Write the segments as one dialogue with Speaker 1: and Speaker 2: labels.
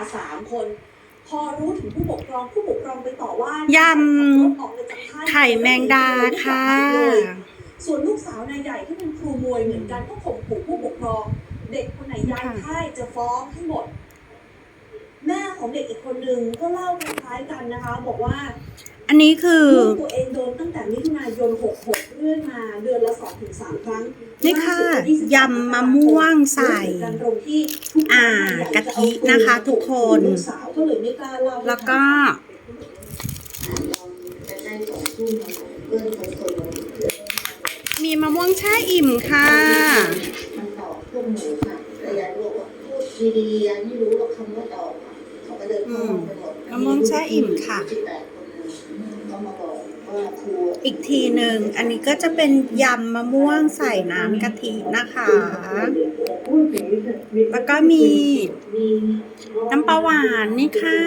Speaker 1: 3 คนพอรู้ถึงผู้ปกครองไปต่อว่าย
Speaker 2: ำไข่แมงดาค่ะ
Speaker 1: ส่วนลูกสาวนายใหญ่ที่เป็นครูมวยเหมือนกันก็ข่มขู่ผู้ปกครองเด็กคนไหนย้ายค่ายจะฟ้องให้หมดแม่ของเด็กอีกคนนึงก็เล่าคล้ายๆกันนะคะบอกว่า
Speaker 2: อันนี้คือ
Speaker 1: ตัวเองโดนตั้งแต่มิถุนายน66เรื่อยมาเดือนละ 2-3 ครั้ง
Speaker 2: นี่ค่ะยำมะม่วงใส่กะทินะคะทุกคนแล้วก็มีมะม่วงแช่อิ่มค่ะมะม่วงแช่อิ่มค่ะอีกทีหนึ่งอันนี้ก็จะเป็นยำมะม่วงใส่น้ำกะทินะคะแล้วก็มีน้ำปลาหวานนี่ค่ะ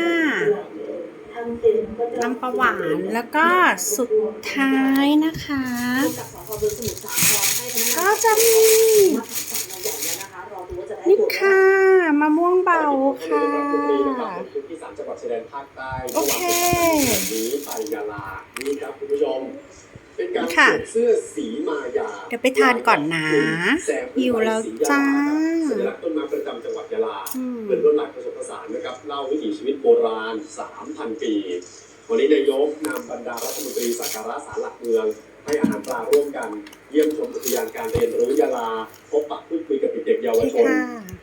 Speaker 2: น้ำปลาหวานแล้วก็สุดท้ายนะคะก็จะมีนี่ค่ะมะม่วงเบาค่ะโอเค
Speaker 3: นี้ไปยาลานี่ครับคุณผู้ชมเป็นการสวมเสื้อสีมายา
Speaker 2: เดี๋ยวไปทานก่อนนะหิวแล้วจ้า
Speaker 3: สัญลักษณ์ต้นไม้ประจำจังหวัดยาลาเป็นลวดลายผสมผสานนะครับเล่าวิถีชีวิตโบราณ 3,000 ปีวันนี้นายกนำบรรดารัฐมนตรีสักการะศาลหลักเมืองให้อาหารปลาร่วมกันเยี่ยมชมอุทยานการเรียนรู้ยาลาพบปะพูดคุยกับเด็กเยาวชน